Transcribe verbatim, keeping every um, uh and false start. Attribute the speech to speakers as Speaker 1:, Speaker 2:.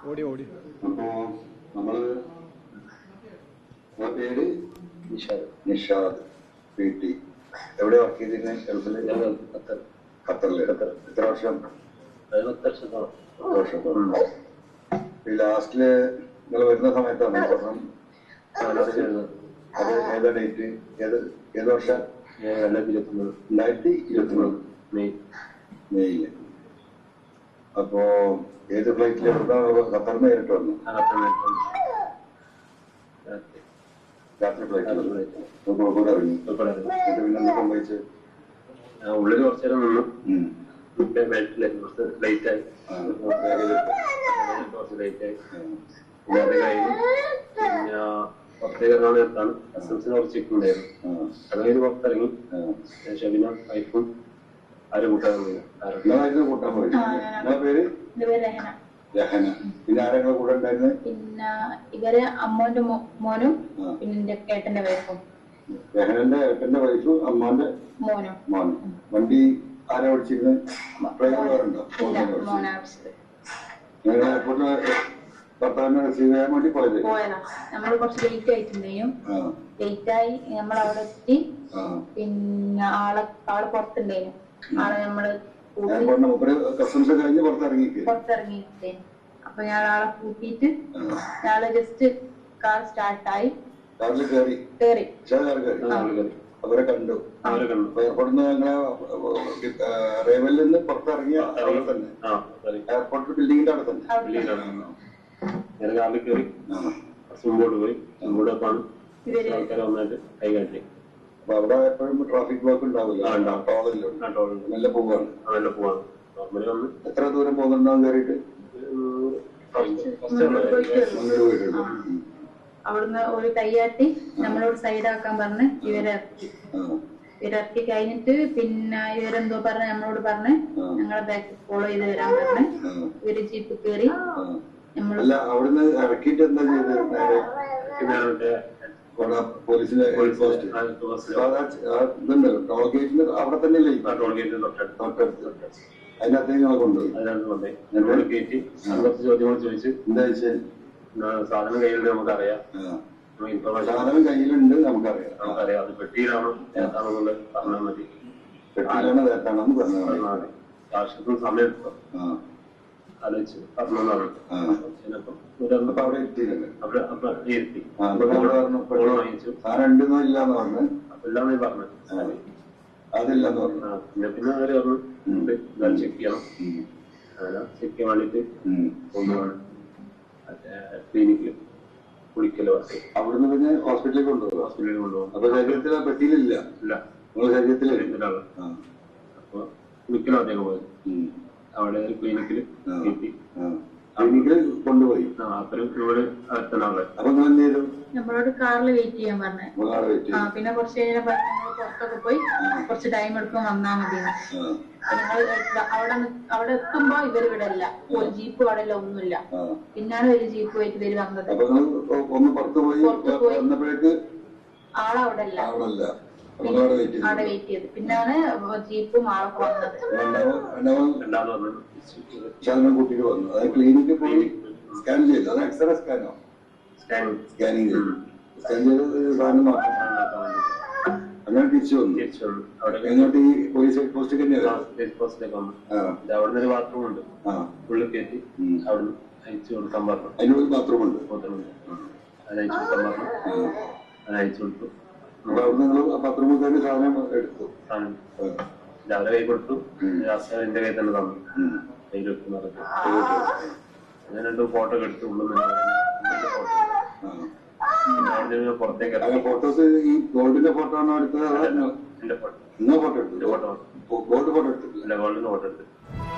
Speaker 1: ഓടി ഓടി
Speaker 2: അപ്പോ നമ്മള് പേര് നിഷാദ് നിഷാദ് പി ടി എവിടെ വർക്ക് ചെയ്തിരുന്നത് ഗൾഫില് ഖത്തർ ഖത്തറില് ഖത്തർ എത്ര വർഷം പത്ത് വർഷത്തോളം ഈ ലാസ്റ്റില് നിങ്ങൾ വരുന്ന സമയത്താണ് സ്വർണം അത് ഏതാ ഡേറ്റ് ഏത് ഏത് വർഷം രണ്ടായിരത്തി ഇരുപത്തി മൂന്ന് രണ്ടായിരത്തി ഇരുപത്തി മൂന്ന് മെയ് മെയ്യില് അപ്പോ ഏത് ഫ്ലൈറ്റിൽ ഖത്തറിന് നേരിട്ട് വന്നു രാത്രി ഫ്ലൈറ്റ് കോഴിക്കോട് ഇറങ്ങി പിന്നെ സംഭവിച്ച്
Speaker 3: ഉള്ളിൽ കുറച്ചു നേരം നിന്നു ബെൽറ്റിലായിരുന്നു കുറച്ച് ലേറ്റ് ആയി കുറച്ച് ലേറ്റ് ആയി പിന്നെ അത് കഴിഞ്ഞ് പിന്നെ പുറത്തേക്ക് ഇറങ്ങാൻ നേരത്താണ് കസ്റ്റംസിന് കുറച്ച് ചെക്ക് ഉണ്ടായിരുന്നു അത് കഴിഞ്ഞ് പുറത്തിറങ്ങി ഷബിന വൈഫും ആരും കൂട്ടാൻ
Speaker 2: പോയി കൂട്ടാൻ പോയി നിങ്ങളെ പേര് രഹന പിന്നെ ആരെങ്കിലും കൂടെ ഉണ്ടായിരുന്നത്
Speaker 4: പിന്നെ ഇവര് അമ്മോന്റെ മോനും പിന്നെ എന്റെ ഏട്ടന്റെ വൈഫും
Speaker 2: രഹനന്റെ ഏട്ടന്റെ വൈഫും അമ്മാന്റെ
Speaker 4: മോനും
Speaker 2: മോനും വണ്ടി ആരാ ഓടിച്ചിരുന്നത് ഡ്രൈവർ വേറുണ്ടോ ഞങ്ങൾ എയർപോർട്ടിൽ ഭർത്താവിനെ റിസീവ് ചെയ്യാൻ വേണ്ടി പോയത്
Speaker 4: പോയതാ നമ്മള് കുറച്ച് ലേറ്റ് ആയിട്ടുണ്ടെയും ലേറ്റ് ആയി നമ്മൾ അവിടെ എത്തി പിന്നെ ആളെ ആള് പുറത്തുണ്ടായിരുന്നു ആളെ നമ്മള്
Speaker 2: കസ്റ്റംസ് കഴിഞ്ഞ് പുറത്തിറങ്ങി
Speaker 4: പുറത്തിറങ്ങിയിട്ടേ അപ്പൊ ഞാൻ ആളെ കൂട്ടിയിട്ട് ഞാള് ജസ്റ്റ് കാർ സ്റ്റാർട്ടായി
Speaker 2: കാറിൽ കയറി
Speaker 4: കേറി
Speaker 2: അവരെ കണ്ടു അവരെ കണ്ടു എയർപോർട്ടിൽ നിന്ന് ഞങ്ങളെ റേവലിൽ നിന്ന് പുറത്തിറങ്ങിയ അവിടെ തന്നെ എയർപോർട്ട് ബിൽഡിങ്ങിന്റെ അവിടെ തന്നെ
Speaker 3: കാറിൽ കയറി മുമ്പോട്ട് പോയി മുമ്പോട്ട് ആൾക്കാരെ വന്നിട്ട് കൈ കാട്ടി
Speaker 2: അപ്പൊ അവിടെ എപ്പോഴും ട്രാഫിക് ബ്ലോക്ക് ഉണ്ടാവില്ല നല്ല പോവാണ്
Speaker 3: നല്ല പോവാണ് നോർമലി വന്ന്
Speaker 2: എത്ര ദൂരം പോകുന്നുണ്ടാവും കയറിയിട്ട്
Speaker 4: അവിടുന്ന് ഒരു കൈയാട്ടി നമ്മളോട് സൈഡാക്കാൻ പറഞ്ഞ് ഇവരിറക്കി ഇവരിറക്കി കഴിഞ്ഞിട്ട് പിന്നെ ഇവരെന്തോ പറഞ്ഞ് നമ്മളോട് പറഞ്ഞ് ഞങ്ങളെ ബാക്ക് ഫോളോ ചെയ്ത് വരാൻ പറഞ്ഞ് ഇവര് ജീപ്പ് കയറി
Speaker 2: അല്ല അവിടുന്ന് ഇറക്കിയിട്ട് എന്താ ചെയ്തത് നേരെ പോലീസിന്റെ ഇതുണ്ടല്ലോ ടോൾ ഗേറ്റിന് അവിടെ തന്നെയല്ലേ
Speaker 3: ടോൾ ഗേറ്റിന്
Speaker 2: തൊട്ടടുത്ത് അതിനകത്ത് ഞങ്ങളെ കൊണ്ടുപോയി
Speaker 3: ഞങ്ങളോട് കയറ്റി കുറച്ച് ചോദ്യങ്ങൾ ചോദിച്ചു
Speaker 2: എന്താ വെച്ചാൽ
Speaker 3: സാധനം കയ്യിലുണ്ട് നമുക്കറിയാം
Speaker 2: സാധനം കയ്യിലുണ്ട് നമുക്കറിയാം
Speaker 3: നമുക്കറിയാം അത് പെട്ടിയിലാണോ ഏതാണെന്നുള്ളത് പറഞ്ഞാൽ മതി
Speaker 2: പെട്ടിയിലാണോ ഏതാണെന്ന് പറഞ്ഞാൽ മതി
Speaker 3: ആവശ്യത്തിന് സമയം എടുത്തോ ആലോചിച്ച് പറഞ്ഞതാണ്
Speaker 2: അവിടെ എത്തിയിട്ടുണ്ട്
Speaker 3: അവിടെ ഇരുത്തി വാങ്ങിച്ചു
Speaker 2: സാധനം ഉണ്ടെന്നോ ഇല്ലാന്ന് പറഞ്ഞു
Speaker 3: അപ്പൊ ഇല്ലാന്ന് പറഞ്ഞു
Speaker 2: അതില്ലെന്ന് പറഞ്ഞു
Speaker 3: പിന്നെ പിന്നെ അവര് പറഞ്ഞു ചെക്ക് ചെയ്യണം അങ്ങനെ ചെക്ക് ചെയ്യാൻ വേണ്ടിട്ട് കൊണ്ടുപോകണം ക്ലിനിക്കില് കുളിക്കല് വർക്ക്
Speaker 2: അവിടുന്ന് പിന്നെ ഹോസ്പിറ്റലിൽ കൊണ്ടുപോകും
Speaker 3: ഹോസ്പിറ്റലിൽ കൊണ്ടുപോകും
Speaker 2: അപ്പൊ ശരീരത്തിൽ പെട്ടിയിലില്ല
Speaker 3: ഇല്ല
Speaker 2: നിങ്ങളുടെ ശരീരത്തിൽ
Speaker 3: അപ്പൊ കുളിക്കലും അദ്ദേഹം പോയത് അവിടെ ഒരു ക്ലിനിക്കില് എത്തി
Speaker 2: ക്ലിനിക്കിൽ കൊണ്ടുപോയി
Speaker 3: അപ്പഴും ഇവിടെ അടുത്തനാളെ
Speaker 2: അപ്പൊ നിങ്ങൾ എന്ത് ചെയ്തു
Speaker 4: നമ്മളോട് കാറിൽ വെയിറ്റ് ചെയ്യാൻ പറഞ്ഞു പിന്നെ കുറച്ച് കഴിഞ്ഞാൽ പുറത്തൊക്കെ പോയി കുറച്ച് ടൈം എടുക്കും വന്നാ മതി ഞങ്ങൾ അവിടെ അവിടെ എത്തുമ്പോ ഇവര് ഇവിടെ അല്ല ഒരു ജീപ്പ് അവിടെ ഇല്ല ഒന്നുമില്ല പിന്നാണ് ഒരു ജീപ്പ് പോയിട്ട് ഇവര് വന്നത് ആളവിടെ അല്ല അവിടെ വെയിറ്റ് ചെയ്ത് പിന്നാണ് ജീപ്പും ആളൊക്കെ വന്നത്
Speaker 2: കുട്ടികൾ വന്നു അത് ക്ലിനിക്കിൽ പോയി സ്കാൻ ചെയ്തു അത് എക്സ്റേ സ്കാനോ സ്കാനിങ് ചെയ്തു സ്കാൻ ചെയ്ത് സാധനം നോക്കാം അങ്ങനെ തിരിച്ചു വന്നു എങ്ങോട്ട് ഈ പോലീസ് ഹെഡ് പോസ്റ്റ്
Speaker 3: പോസ്റ്റിലേക്ക് വന്നു അവിടെ ഒരു ബാത്റൂം ഉണ്ട് ഉള്ളിൽ കയറ്റി അവിടെ അയച്ചു കൊടുക്കാൻ പറഞ്ഞു
Speaker 2: അതിനുള്ളിൽ ബാത്റൂം ഉണ്ട്
Speaker 3: അത് അയച്ചു കൊടുക്കാൻ പറഞ്ഞു അത് അയച്ചു കൊടുത്തു
Speaker 2: അവിടെ നിങ്ങൾ ബാത്റൂമിൽ കയറി സാധനം എടുത്തു
Speaker 3: രാവിലെ കൈ കൊടുത്തു എന്റെ കയ്യിൽ തന്നെ തന്നു കയ്യിൽ വെക്കുന്ന പറഞ്ഞു ഞാൻ രണ്ടു ഫോട്ടോ എടുത്തു ഉള്ളിൽ ഫോട്ടോ പുറത്തേക്ക്
Speaker 2: ഫോട്ടോസ് ഈ ഗോൾഡിന്റെ ഫോട്ടോ ആണോ എടുത്തത്
Speaker 3: എന്റെ ഫോട്ടോ
Speaker 2: നിങ്ങൾ ഫോട്ടോ എടുത്തു
Speaker 3: ഫോട്ടോ
Speaker 2: ഗോൾഡ് ഫോട്ടോ എടുത്തില്ല
Speaker 3: ഗോൾഡിന്റെ ഫോട്ടോ എടുത്തു